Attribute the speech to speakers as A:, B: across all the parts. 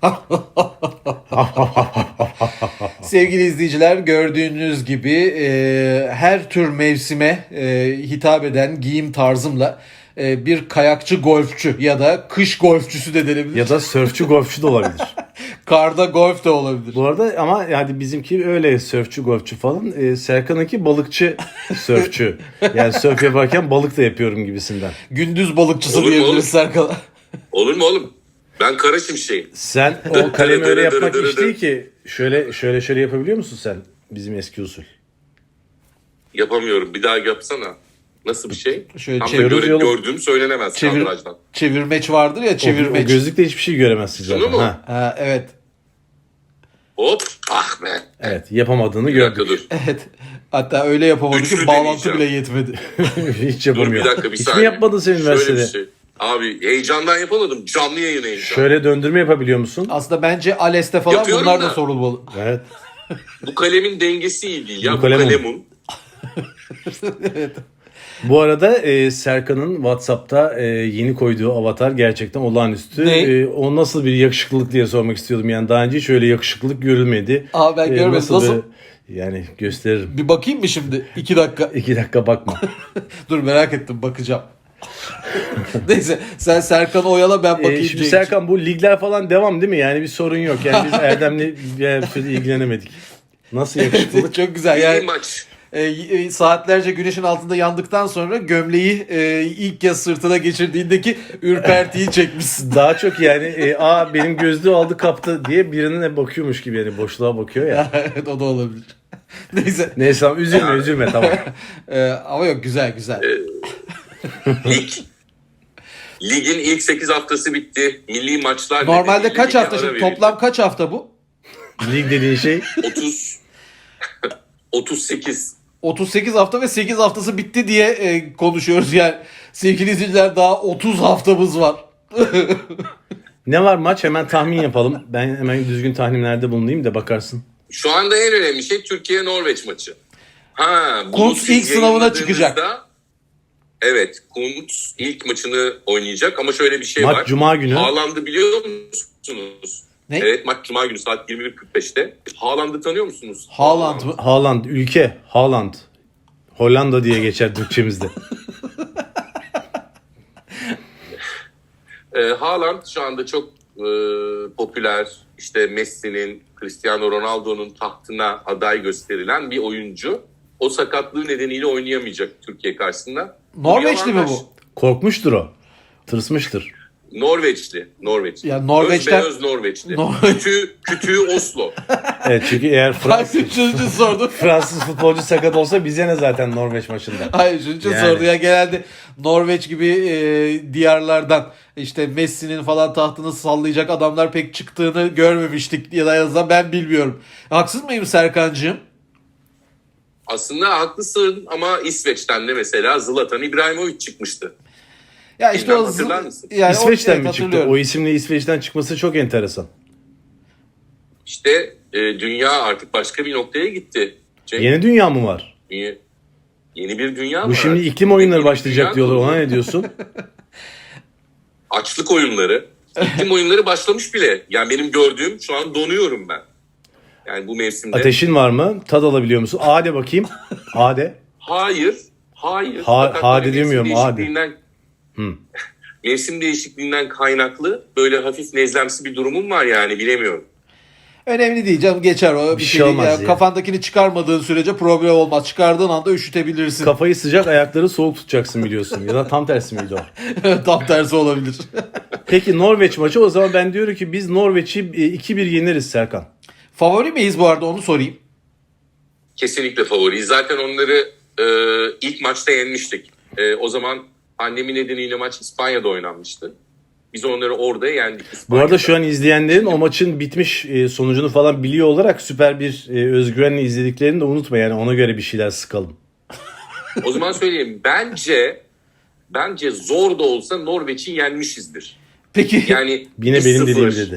A: Sevgili izleyiciler, gördüğünüz gibi her tür mevsime hitap eden giyim tarzımla bir kayakçı golfçü ya da kış golfçüsü de denebilir.
B: Ya da sörfçü golfçü de olabilir.
A: Karda golf de olabilir.
B: Bu arada ama yani bizimki öyle sörfçü golfçü falan. Serkan'ınki balıkçı sörfçü. Yani sörf yaparken balık da yapıyorum gibisinden.
A: Gündüz balıkçısı
C: Olur mu
A: diyebiliriz
C: oğlum?
A: Serkan'a.
C: Olur mu oğlum? Ben kara şimşeğim.
B: Sen o kalemi öyle yapmak iş değil ki. Şöyle yapabiliyor musun sen? Bizim eski usul.
C: Yapamıyorum. Bir daha yapsana. Nasıl bir şey?
A: Şöyle
C: Tam da
B: çeviriyoruz yolu.
C: gördüğüm söylenemez kadrajdan.
A: Çevirmeç vardır ya,
B: O
A: çevirmeç.
B: gözlükle hiçbir şey göremezsin
C: Şunu
B: zaten.
C: mu?
B: Ha,
A: Ha, evet.
C: Hop. Ah be.
B: evet, yapamadığını
C: Bir dakika
B: gördük.
C: dur.
A: Evet. Hatta öyle yapamadı ki
C: Üçlü
A: bağlantı
C: deneyeceğim.
A: bile yetmedi.
B: Hiç
C: Dur
B: yapamıyor.
C: bir dakika bir
B: Hiç
C: saniye.
B: mi yapmadın sen
C: Şöyle
B: üniversitede?
C: bir şey. Abi heyecandan yapamadım. Canlı yayın heyecanı.
B: Şöyle döndürme yapabiliyor musun?
A: Aslında bence ALES'te falan
C: Yapıyorum
A: bunlar da
C: da.
A: sorulmalı.
B: Evet.
C: Bu kalemin dengesi iyi değil ya.
B: Bu
C: Bu
B: kalemun.
C: kalemun.
B: Bu arada Serkan'ın WhatsApp'ta yeni koyduğu avatar gerçekten olağanüstü.
A: Ne?
B: O nasıl bir yakışıklılık diye sormak istiyordum. Yani daha önce hiç öyle yakışıklılık görülmedi.
A: Aa, ben görmedim. Nasıl?
B: Yani gösteririm.
A: Bir bakayım mı şimdi? 2 dakika.
B: 2 dakika bakma.
A: Dur, merak ettim, bakacağım. Neyse, sen Serkan'ı oyala, ben bakayım.
B: Şimdi
A: Cenk.
B: Serkan, bu ligler falan devam değil mi? Yani bir sorun yok. Yani biz Erdem'le bir süre ilgilenemedik. Nasıl yakışıklılık?
A: Çok güzel.
C: İyi
A: Yani
C: maç.
A: saatlerce güneşin altında yandıktan sonra gömleği ilk kez sırtına geçirdiğindeki ürpertiyi çekmişsin.
B: Daha çok yani benim gözlüğü aldı kaptı diye birine bakıyormuş gibi, yani boşluğa bakıyor ya.
A: Evet, o da olabilir. Neyse.
B: Neyse tamam, üzülme tamam.
A: Ama yok, güzel güzel.
C: Lig. Ligin ilk 8 haftası bitti. Milli maçlar.
A: Normalde
C: nedeniyle
A: kaç
C: lige
A: hafta
C: ara
A: şimdi?
C: verildi.
A: Toplam kaç hafta bu?
B: Lig dediğin şey
C: 30 38.
A: 38 hafta ve 8 haftası bitti diye konuşuyoruz yani. Sevgili izleyiciler, daha 30 haftamız var.
B: ne var maç, hemen tahmin yapalım. Ben hemen düzgün tahminlerde bulunayım da bakarsın.
C: Şu anda en önemli şey Türkiye-Norveç maçı. Bunu
A: Kuntz
C: siz
A: ilk sınavına
C: yayınladığınızda-
A: çıkacak.
C: Evet, Kuntz ilk maçını oynayacak ama şöyle bir şey
B: Maç
C: var.
B: Cuma günü.
C: Haaland'ı biliyor musunuz?
A: Ne?
C: Evet, maç Cuma günü saat 21.45'te. Haaland'ı tanıyor musunuz?
A: Haaland mı?
B: Haaland, ülke Haaland. Hollanda diye geçer Türkçemizde.
C: Haaland şu anda çok popüler. İşte Messi'nin, Cristiano Ronaldo'nun tahtına aday gösterilen bir oyuncu. O sakatlığı nedeniyle oynayamayacak Türkiye karşısında.
A: Norveçli mi
C: Bir
A: bu?
B: Korkmuştur o. Tırsmıştır.
C: Norveçli.
A: Ya Norveç'ten-
C: Özbeöz Norveçli.
A: Norveç-
C: Kütüğü Oslo.
B: Evet, çünkü eğer
A: Hayır, üçüncü sordu.
B: Fransız futbolcu sakat olsa bize ne zaten Norveç maçında.
A: Hayır, üçüncü
B: Yani.
A: sordu. Ya genelde Norveç gibi diyarlardan işte Messi'nin falan tahtını sallayacak adamlar pek çıktığını görmemiştik, ya da en azından ben bilmiyorum. Haksız mıyım Serkancığım?
C: Aslında haklısın ama İsveç'ten de mesela Zlatan İbrahimovic çıkmıştı.
A: Ya işte
C: Bilmem,
A: o
C: hatırlar mısın?
A: yani
B: İsveç'ten
A: evet,
B: mi çıktı?
A: hatırlıyorum.
B: O isimle İsveç'ten çıkması çok enteresan.
C: İşte dünya artık başka bir noktaya gitti.
B: Yeni dünya mı var?
C: Yeni bir dünya
B: Bu
C: var.
B: şimdi
C: artık.
B: iklim oyunları
C: Yeni bir
B: başlayacak
C: dünya
B: diyorlar.
C: kurulu.
B: Ona ne diyorsun?
C: Açlık oyunları. İklim oyunları başlamış bile. Yani benim gördüğüm, şu an donuyorum ben. Yani bu mevsimde.
B: Ateşin var mı? Tad alabiliyor musun? Ade bakayım. Ade.
C: Hayır. Hayır.
B: Ha-
C: Fakat
B: hadi
C: böyle
B: demiyorum,
C: mevsim
B: hadi.
C: değişikliğinden- Mevsim değişikliğinden kaynaklı böyle hafif nezlemsi bir durumum var yani, bilemiyorum.
A: Önemli değil canım, geçer o.
B: Bir şey olmaz
A: değil.
B: ya.
A: Kafandakini çıkarmadığın sürece problem olmaz. Çıkardığın anda üşütebilirsin.
B: Kafayı sıcak, ayakları soğuk tutacaksın biliyorsun. Ya da tam tersi miydi o?
A: Tam tersi olabilir.
B: Peki Norveç maçı, o zaman ben diyorum ki biz Norveç'i 2-1 yeneriz Serkan.
A: Favori miyiz bu arada, onu sorayım.
C: Kesinlikle favoriyiz. Zaten onları ilk maçta yenmiştik. O zaman pandemi nedeniyle maç İspanya'da oynanmıştı. Biz onları orada yendik.
B: Bu
C: İspanya'da.
B: arada şu an izleyenlerin o maçın bitmiş sonucunu falan biliyor olarak süper bir özgüvenle izlediklerini de unutma, yani ona göre bir şeyler sıkalım.
C: O zaman söyleyeyim. Bence zor da olsa Norveç'i yenmişizdir.
A: Peki
C: Yani
B: Yine benim
C: 1-0,
B: dediğim dedi.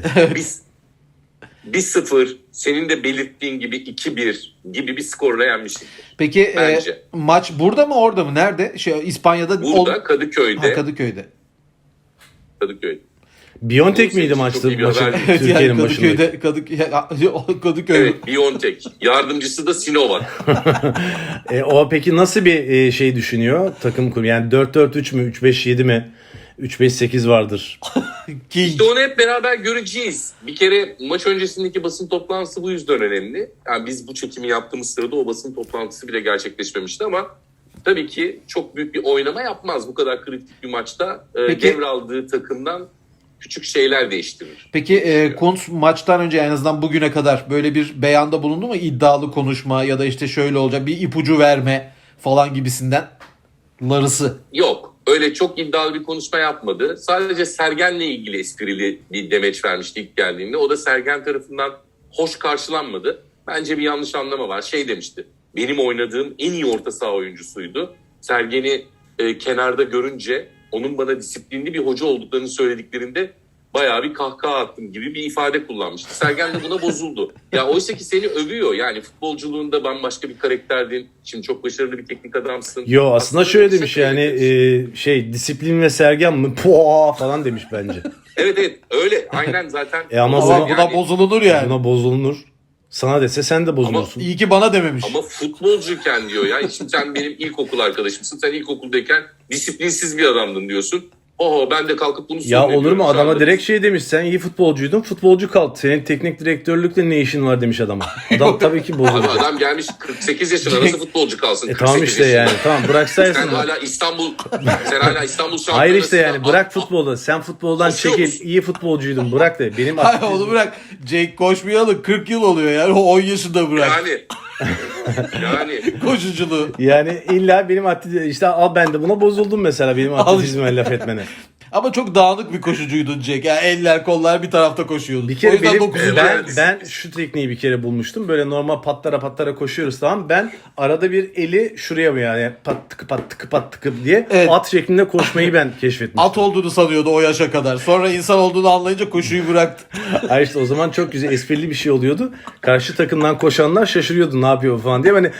C: 1-0, senin de belirttiğin gibi 2-1 gibi bir skorla yenmişizdir.
A: peki
C: Bence.
A: maç burada mı, orada mı? Nerede? İspanya'da
C: Burada Kadıköy'de.
A: Kadıköy'de.
C: Kadıköy'de.
B: Biontech
C: Senin
B: miydi
C: için
B: maçta
C: çok iyi bir
B: maçın
C: haber.
A: Evet,
B: Türkiye'nin
A: yani
B: başındaki?
A: Kadıköy.
C: Evet, Biontech. Yardımcısı da Sinovac.
B: O peki nasıl bir şey düşünüyor takım kurum? Yani 4-4-3 mü? 3-5-7 mi? 3-5-8 vardır.
A: King.
C: İşte onu hep beraber göreceğiz. Bir kere maç öncesindeki basın toplantısı bu yüzden önemli. Yani biz bu çekimi yaptığımız sırada o basın toplantısı bile gerçekleşmemişti ama tabii ki çok büyük bir oynama yapmaz. Bu kadar kritik bir maçta
A: Peki-
C: devraldığı takımdan küçük şeyler değiştirir.
A: Peki Kuntz maçtan önce en azından bugüne kadar böyle bir beyanda bulundu mu? İddialı konuşma ya da işte şöyle olacak bir ipucu verme falan gibisinden. Larısı.
C: Yok. Öyle çok iddialı bir konuşma yapmadı. Sadece Sergen'le ilgili esprili bir demeç vermişti ilk geldiğinde. O da Sergen tarafından hoş karşılanmadı. Bence bir yanlış anlama var. Şey demişti. Benim oynadığım en iyi orta saha oyuncusuydu. Sergen'i kenarda görünce onun bana disiplinli bir hoca olduklarını söylediklerinde bayağı bir kahkaha attım gibi bir ifade kullanmıştı. Sergen de buna bozuldu. Ya oysa ki seni övüyor. Yani futbolculuğunda bambaşka bir karakterdin. Şimdi çok başarılı bir teknik adamsın.
B: Yo aslında şöyle demiş
C: kısa
B: yani
C: demiş.
B: disiplin ve Sergen mi? Puaa falan demiş bence.
C: Evet öyle. Aynen zaten.
B: Ama
A: Ama
B: bunu-
A: buna bozulunur yani.
B: Buna bozulunur. Sana dese sen de bozulursun.
A: İyi ki bana dememiş.
C: Ama futbolcuyken diyor ya. Şimdi sen benim ilkokul arkadaşımsın. Sen ilkokuldayken disiplinsiz bir adamdın diyorsun. Oho ben de kalkıp bunu
B: Ya olur
C: söylüyorum
B: mu
C: şu
B: adama
C: anda.
B: direkt şey demiş sen iyi futbolcuydun futbolcu kal. Senin teknik direktörlükle ne işin var demiş adama. Adam tabii ki
C: Abi
B: bozulacak.
C: adam gelmiş 48 yaşına nasıl futbolcu kalsın?
B: Tamam
C: 48
B: işte
C: yaşında.
B: yani tamam bıraksaydın.
C: Sen hala İstanbul şampiyonasında.
B: Hayır işte yani bırak futbolu. Sen futboldan
C: Koşuyor
B: çekil.
C: musun?
B: İyi futbolcuydun bırak de. Benim
A: Hayır onu bırak. Jake koşmayalı 40 yıl oluyor yani. O 10 yaşında bırak.
C: Yani
A: Koşuculuğu.
B: yani illa benim işte al ben de buna bozuldum mesela benim atletizme laf etmene.
A: Ama çok dağınık bir koşucuydun Jake. Yani eller kollar bir tarafta koşuyordu.
B: Bir
A: O
B: kere
A: yüzden
B: benim,
A: 9.
B: ben şu tekniği bir kere bulmuştum. Böyle normal patlara koşuyoruz tamam. Ben arada bir eli şuraya mı yani pat tıkı diye
A: Evet.
B: at şeklinde koşmayı ben keşfetmiştim.
A: At olduğunu sanıyordu o yaşa kadar. Sonra insan olduğunu anlayınca koşuyu bıraktı.
B: Ay işte o zaman çok güzel esprili bir şey oluyordu. Karşı takımdan koşanlar şaşırıyordu ne yapıyor falan diye. Hani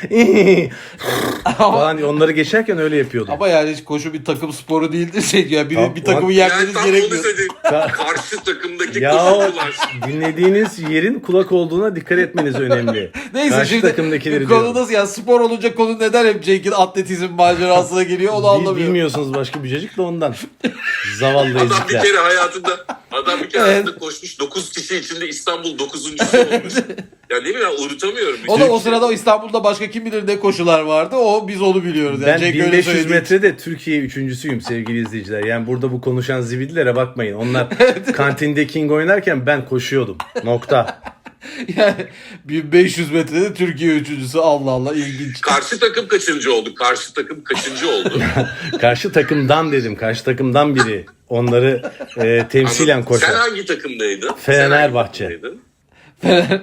B: falan diye onları geçerken öyle yapıyordu.
A: Ama yani hiç koşu bir takım sporu değildir şey ya.
B: Tamam,
A: Bir takımı
C: yani
A: yenmeniz
C: tam onu
A: gerekmiyor.
C: söyleyeyim. Karşı takımdaki
B: Ya o
C: koşucular.
B: dinlediğiniz yerin kulak olduğuna dikkat etmeniz önemli.
A: Neyse
B: Karşı
A: şimdi
B: takımdakileri
A: konu
B: diyorum.
A: nasıl ya spor olunca konu neden hep Jake'in atletizm macerasına geliyor onu anlamıyorum.
B: Bilmiyorsunuz başka bir cacık da ondan. Zavallı
C: Adam bir
B: ezikler.
C: kere hayatında koşmuş 9 kişi içinde İstanbul 9.'su olmuş. Ya ne bileyim ben unutamıyorum.
A: O da o sırada İstanbul'da başka kim bilir ne koşular vardı. O biz onu biliyoruz. Yani
B: Ben
A: Jake öyle
B: 1500
A: söylediği
B: metrede Türkiye üçüncüsüyüm sevgili izleyiciler. Yani burada bu konuşan zibidilere bakmayın. Onlar kantinde King oynarken ben koşuyordum. Nokta.
A: için. Yani 1500 metrede Türkiye üçüncüsü Allah Allah ilginç.
C: Karşı takım kaçıncı oldu? Karşı takım kaçıncı oldu?
B: Karşı takımdan dedim. Karşı takımdan biri. Onları temsilen
C: Sen
B: koşar.
C: hangi takımdaydın?
B: Fenerbahçe.
C: Sen hangi takımdaydın?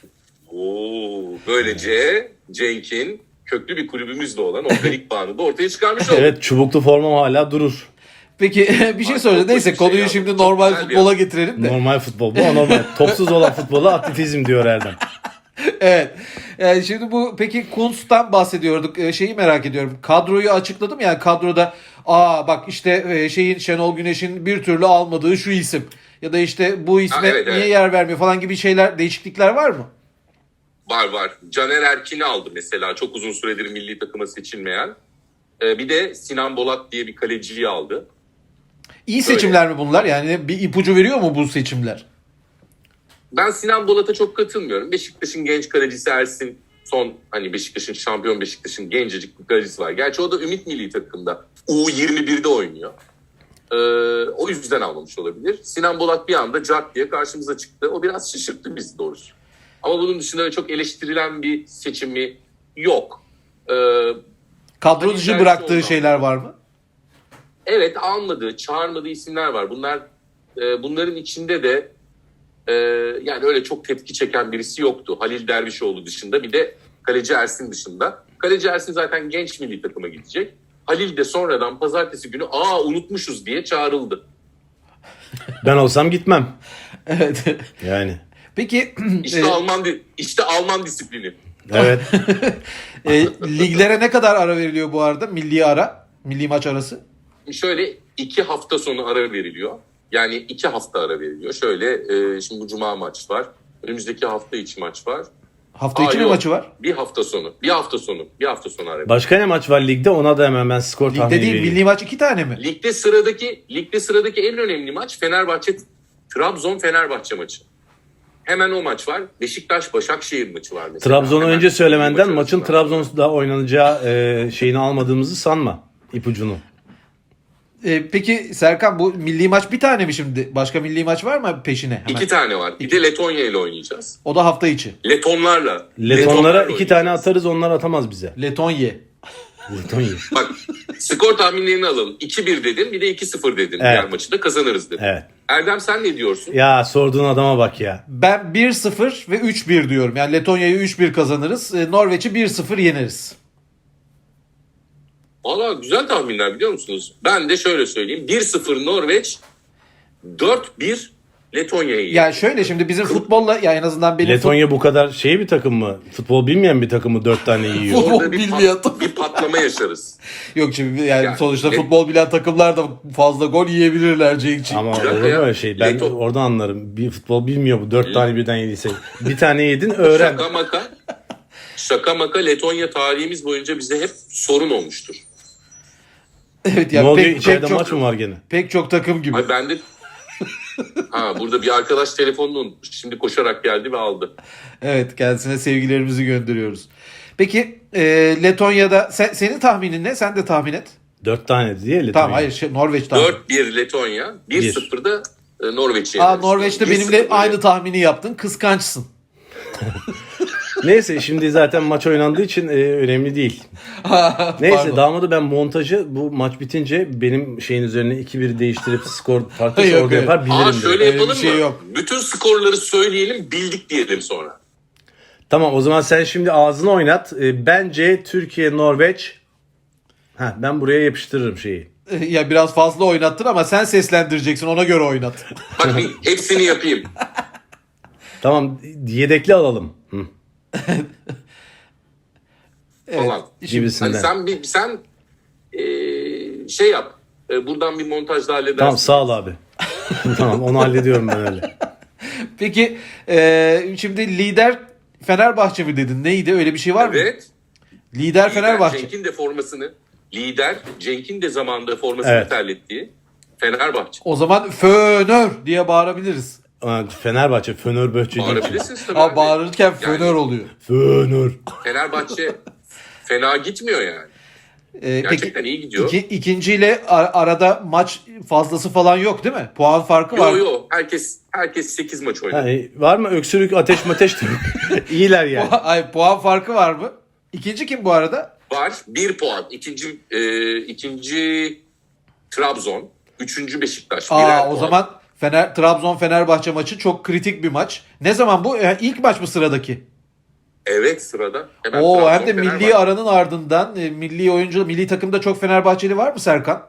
C: Oo, böylece Cenk'in köklü bir kulübümüzle olan organik bağını da ortaya çıkarmış olduk.
B: Evet çubuklu formam hala durur.
A: Peki bir şey
C: Ay,
A: soracağım.
C: çok
A: Neyse
C: hoş bir şey
A: konuyu
C: ya.
A: şimdi
C: Çok
A: normal
C: güzel bir
A: futbola
C: yer.
A: getirelim de.
B: Normal futbol bu normal. Topsuz olan futbola atletizm diyor Erdem.
A: Evet. Yani şimdi bu peki Kuntz'tan bahsediyorduk. Şeyi merak ediyorum. Kadroyu açıkladım yani kadroda bak işte Şenol Güneş'in bir türlü almadığı şu isim ya da işte bu isme
C: evet,
A: niye
C: evet.
A: yer vermiyor falan gibi şeyler değişiklikler var mı?
C: Var. Caner Erkin'i aldı mesela. Çok uzun süredir milli takıma seçilmeyen. Bir de Sinan Bolat diye bir kaleciyi aldı.
A: İyi seçimler mi bunlar? Yani bir ipucu veriyor mu bu seçimler?
C: Ben Sinan Bolat'a çok katılmıyorum. Beşiktaş'ın genç kalecisi Ersin son hani Beşiktaş'ın şampiyon Beşiktaş'ın gencecik bir kalecisi var. Gerçi o da Ümit Milli Takım'da. U21'de oynuyor. O yüzden almamış olabilir. Sinan Bolat bir anda cart diye karşımıza çıktı. O biraz şaşırttı bizi doğrusu. Ama bunun dışında çok eleştirilen bir seçimi yok.
A: Kadro
C: Hani
A: dışı
C: belki
A: bıraktığı
C: ondan.
A: şeyler var mı?
C: Evet almadığı, çağırmadığı isimler var. Bunların içinde de yani öyle çok tepki çeken birisi yoktu. Halil Dervişoğlu dışında bir de kaleci Ersin dışında. Kaleci Ersin zaten genç milli takıma gidecek. Halil de sonradan pazartesi günü unutmuşuz diye çağrıldı.
B: Ben olsam gitmem.
A: Evet.
B: Yani.
A: Peki
C: İşte Alman disiplini.
B: Evet.
A: liglere ne kadar ara veriliyor bu arada? Milli maç arası?
C: Şöyle 2 hafta sonu ara veriliyor. Yani 2 hafta ara veriliyor. Şöyle şimdi bu cuma maç var. Önümüzdeki hafta içi maç var.
A: Hafta içi mi
C: yok.
A: maçı var?
C: Bir hafta sonu ara veriliyor.
B: Başka ne maç var ligde? Ona da hemen ben skor tahmini
A: Ligde değil,
B: vereyim.
A: milli maç 2 tane mi?
C: Ligde sıradaki en önemli maç Trabzon-Fenerbahçe maçı. Hemen o maç var. Beşiktaş-Başakşehir maçı var mesela.
B: Trabzon'u
C: Hemen
B: önce söylemenden
C: maç
B: maçın
C: arasında.
B: Trabzon'da oynanacağı şeyini almadığımızı sanma. İpucunu.
A: Peki Serkan, bu milli maç bir tane mi şimdi? Başka milli maç var mı peşine? Hemen.
C: 2 tane var. Bir de Letonya ile oynayacağız.
A: O da hafta içi.
C: Letonlarla
B: Letonlara 2
C: oynayacağız.
B: tane atarız, onlar atamaz bize.
A: Letonya.
B: Letonya.
C: Bak, skor tahminlerini alalım. 2-1 dedin, bir de 2-0 dedin.
B: Evet.
C: Diğer maçı da kazanırız dedin.
B: Evet.
C: Erdem, sen ne diyorsun?
B: Ya sorduğun adama bak ya.
A: Ben 1-0 ve 3-1 diyorum. Yani Letonya'yı 3-1 kazanırız. Norveç'i 1-0 yeneriz.
C: Valla güzel tahminler, biliyor musunuz? Ben de şöyle söyleyeyim. 1-0 Norveç, 4-1 Letonya'yı.
A: Yani şöyle, şimdi bizim futbolla, ya en azından benim
B: Letonya bu kadar şey bir takım mı? Futbol bilmeyen bir takım mı 4 tane yiyor?
A: Futbol
C: Orada
A: bilmiyor.
C: bir patlama yaşarız.
A: Yok şimdi yani,
C: Yani
A: sonuçta
C: Let-
A: futbol bilen takımlar da fazla gol yiyebilirler Cenk'ciğim.
B: Ama
C: dakika
B: olur mu
C: ya.
B: öyle şey? Ben
C: Leto-
B: oradan anlarım. Bir futbol bilmiyor bu. 4 tane birden yediyse. Bir tane yedin öğren.
C: Şaka maka Letonya tarihimiz boyunca bize hep sorun olmuştur.
A: Evet
B: Ne
A: yani
B: oluyor?
A: pek
B: İçeride
A: çok,
B: maç mı var gene?
A: pek çok takım gibi.
C: Ay ben de burada bir arkadaş telefonunu unutmuş. Şimdi koşarak geldi ve aldı.
A: Evet, kendisine sevgilerimizi gönderiyoruz. Peki Letonya'da senin tahminin ne? Sen de tahmin et.
B: 4 tane diye Letonya.
A: Tamam, hayır, Norveç tahmin.
C: 4-1 Letonya, 1-0'da Norveç'i
A: Aa,
C: yeneriz.
A: Norveç'te
C: 1-0
A: benimle aynı
C: yeneriz.
A: tahmini yaptın. Kıskançsın.
B: Neyse şimdi zaten maç oynandığı için önemli değil. Neyse
A: Pardon.
B: damadı ben montajı bu maç bitince benim şeyin üzerine 2-1 değiştirip skor farklı
A: Yok,
B: orada
A: evet.
B: yapar bilirim.
C: Şöyle
B: dedi.
A: Öyle bir
C: yapalım
A: şey
C: mı?
A: yok.
C: Bütün skorları söyleyelim, bildik diyelim sonra.
B: Tamam, o zaman sen şimdi ağzını oynat. Bence Türkiye Norveç. Ben buraya yapıştırırım şeyi.
A: Ya biraz fazla oynattın ama sen seslendireceksin, ona göre oynat.
C: Bak hepsini yapayım.
B: Tamam, yedekli alalım. Hı.
C: Falan.
B: Gibisinden.
C: Hani sen şey yap. Buradan bir montajda halledersin.
B: Tamam, sağ ol abi. Tamam, onu hallediyorum ben öyle.
A: Peki şimdi lider Fenerbahçe mi dedin? Neydi? Öyle bir şey var mı?
C: Evet.
A: Lider Fenerbahçe.
C: Cenk'in de zamanında formasını
B: Evet.
C: terlettiği Fenerbahçe.
A: O zaman Fönör diye bağırabiliriz.
B: Fenerbahçe, Fenerbahçe değil.
C: Bağırabilirsiniz tabii.
A: Ha,
C: abi.
A: bağırırken
C: Yani
A: Fönör oluyor.
B: Fener.
C: Fenerbahçe fena gitmiyor yani. Gerçekten iyi gidiyor.
A: İkinciyle arada maç fazlası falan yok değil mi? Puan farkı var.
C: Yo. Herkes 8 maç oynadı.
B: Var mı öksürük, ateş mateş de yok. İyiler yani.
A: Ay, puan farkı var mı? İkinci kim bu arada?
C: Var. 1 puan. İkinci Trabzon. Üçüncü Beşiktaş. Birer
A: O
C: puan.
A: zaman Trabzon Fenerbahçe maçı çok kritik bir maç. Ne zaman bu? İlk maç mı sıradaki?
C: Evet, sırada. Hemen
A: Oo,
C: Trabzon,
A: hem de milli
C: Fenerbahçe.
A: aranın ardından milli takımda çok Fenerbahçeli var mı Serkan?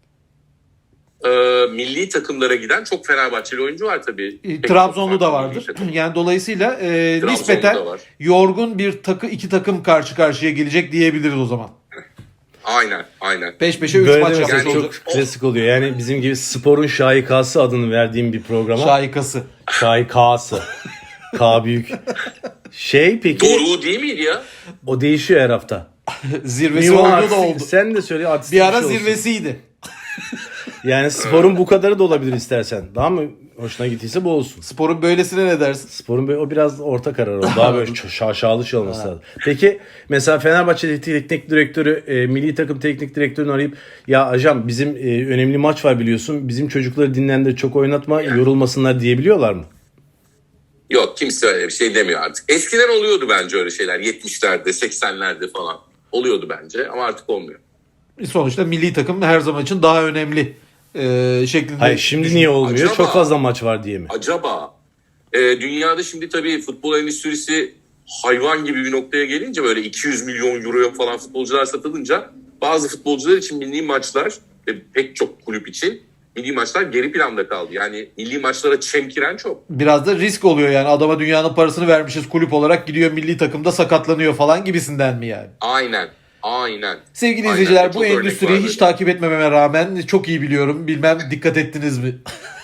C: Milli takımlara giden çok Fenerbahçeli oyuncu var tabii. Pek
A: Trabzonlu
C: çok
A: da
C: farklı milli
A: vardır.
C: takım.
A: Yani dolayısıyla
C: Trabzonlu
A: nispeten
C: da var.
A: yorgun iki takım karşı karşıya gelecek diyebiliriz o zaman.
C: Aynen.
A: Peş peşe 3
B: Böyle
A: maç
B: mesela
A: yapmış
B: çok
A: olacak.
B: klasik oluyor. Yani bizim gibi sporun şahikası adını verdiğim bir programa.
A: Şahikası.
B: Şahikası. K büyük. Peki
C: Doğru değil miydi ya?
B: o değişiyor her hafta.
A: Zirvesi
B: Minimum
A: oldu da
B: artistik-
A: oldu.
B: Sen de söyle artistik
A: Bir ara
B: şey olsun.
A: zirvesiydi.
B: Yani sporun bu kadarı da olabilir istersen. Daha mı hoşuna gittiyse bu olsun.
A: Sporun böylesine ne dersin?
B: Sporun o biraz orta karar oldu. Daha böyle şaşalı şey olması lazım. Peki mesela Fenerbahçe teknik direktörü, milli takım teknik direktörünü arayıp ya ajan bizim önemli maç var biliyorsun. Bizim çocukları dinlendir, çok oynatma, yorulmasınlar diyebiliyorlar mı?
C: Yok, kimse öyle bir şey demiyor artık. Eskiden oluyordu bence öyle şeyler. 70'lerde, 80'lerde falan. Oluyordu bence ama artık olmuyor.
A: Sonuçta milli takım her zaman için daha önemli şeklinde.
B: Hayır, şimdi niye olmuyor?
C: Acaba-
B: Çok fazla maç var diye mi?
C: Acaba dünyada şimdi tabii futbol endüstrisi hayvan gibi bir noktaya gelince, böyle 200 milyon euroya falan futbolcular satılınca bazı futbolcular için milli maçlar ve pek çok kulüp için milli maçlar geri planda kaldı. Yani milli maçlara çemkiren çok.
A: Biraz da risk oluyor yani, adama dünyanın parasını vermişiz kulüp olarak, gidiyor milli takımda sakatlanıyor falan gibisinden mi yani?
C: Aynen.
A: Sevgili
C: Aynen.
A: izleyiciler,
C: Çok
A: bu
C: örnek
A: endüstriyi
C: var
A: hiç
C: böyle.
A: takip etmememe rağmen çok iyi biliyorum. Bilmem dikkat ettiniz mi?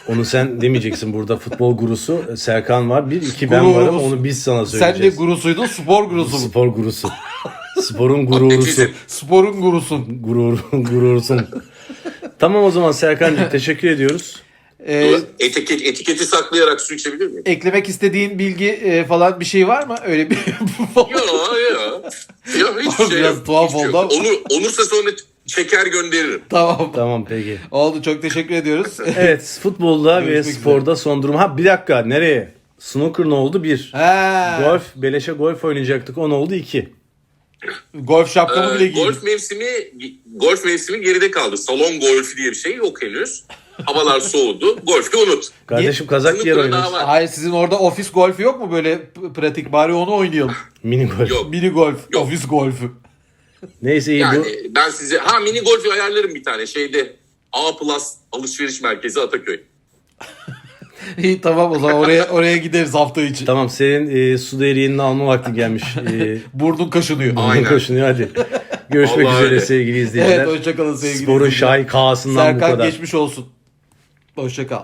B: Onu sen demeyeceksin, burada futbol gurusu Serkan var. Bir, iki ben varım,
A: Gururumuz.
B: onu biz sana
A: Sen
B: söyleyeceğiz.
A: de gurusuydun, spor gurusu mu?
B: Spor gurusu. Sporun gururusu.
C: Atletizm.
A: Sporun gurusun.
B: Gurursun. Tamam o zaman Serkan'cığım, teşekkür ediyoruz.
C: Etiketi saklayarak su içebilir miyim?
A: Eklemek istediğin bilgi falan bir şey var mı? Öyle bir...
C: Yok. Ya hiçbir şey
A: Biraz
C: yok.
A: tuhaf
C: Hiçbir şey
A: oldu
C: yok.
A: ama.
C: Olursa sonra çeker gönderirim.
A: Tamam.
B: Tamam peki.
A: Oldu, çok teşekkür ediyoruz.
B: Evet, futbolda ve
A: Görüşmek
B: sporda son durum. Ha bir dakika, nereye? Snooker ne oldu? 1.
A: Ha,
B: Golf, beleşe golf oynayacaktık. O ne oldu? 2.
A: golf şapkamı bile giydim.
C: Golf mevsimi geride kaldı. Salon golfi diye bir şey yok henüz. Havalar soğudu. Golfü unut.
B: Kardeşim kazak giyer
C: Snooker'da
B: oynarız.
C: daha var.
A: Hayır, sizin orada ofis golfü yok mu böyle pratik, bari onu oynayalım.
B: Mini golf.
C: Yok.
A: Mini golf,
C: Yok.
A: ofis golfü.
B: Neyse iyi
C: Yani
B: bu.
C: ben size mini golfü ayarlarım bir tane şeyde. A Plus alışveriş merkezi Ataköy.
A: İyi, tamam, o zaman oraya gideriz hafta içi.
B: Tamam, senin su değiryenini alma vakti gelmiş.
A: Burnun kaşınıyor.
C: Aynen.
B: Koşunuyor hadi. Görüşmek
C: Vallahi
B: üzere
C: öyle.
B: sevgili izleyiciler.
A: Evet, hoşçakalın sevgili
B: Sporun
A: izleyiciler.
B: şahikasından bu
A: Serkan
B: kadar.
A: geçmiş olsun. Hoşçakal.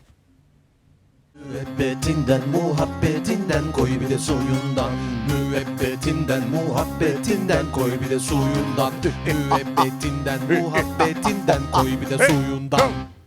D: Müebbetinden muhabbetinden koy bir de suyundan. Müebbetinden muhabbetinden koy bir de suyundan. Müebbetinden muhabbetinden koy bir de suyundan.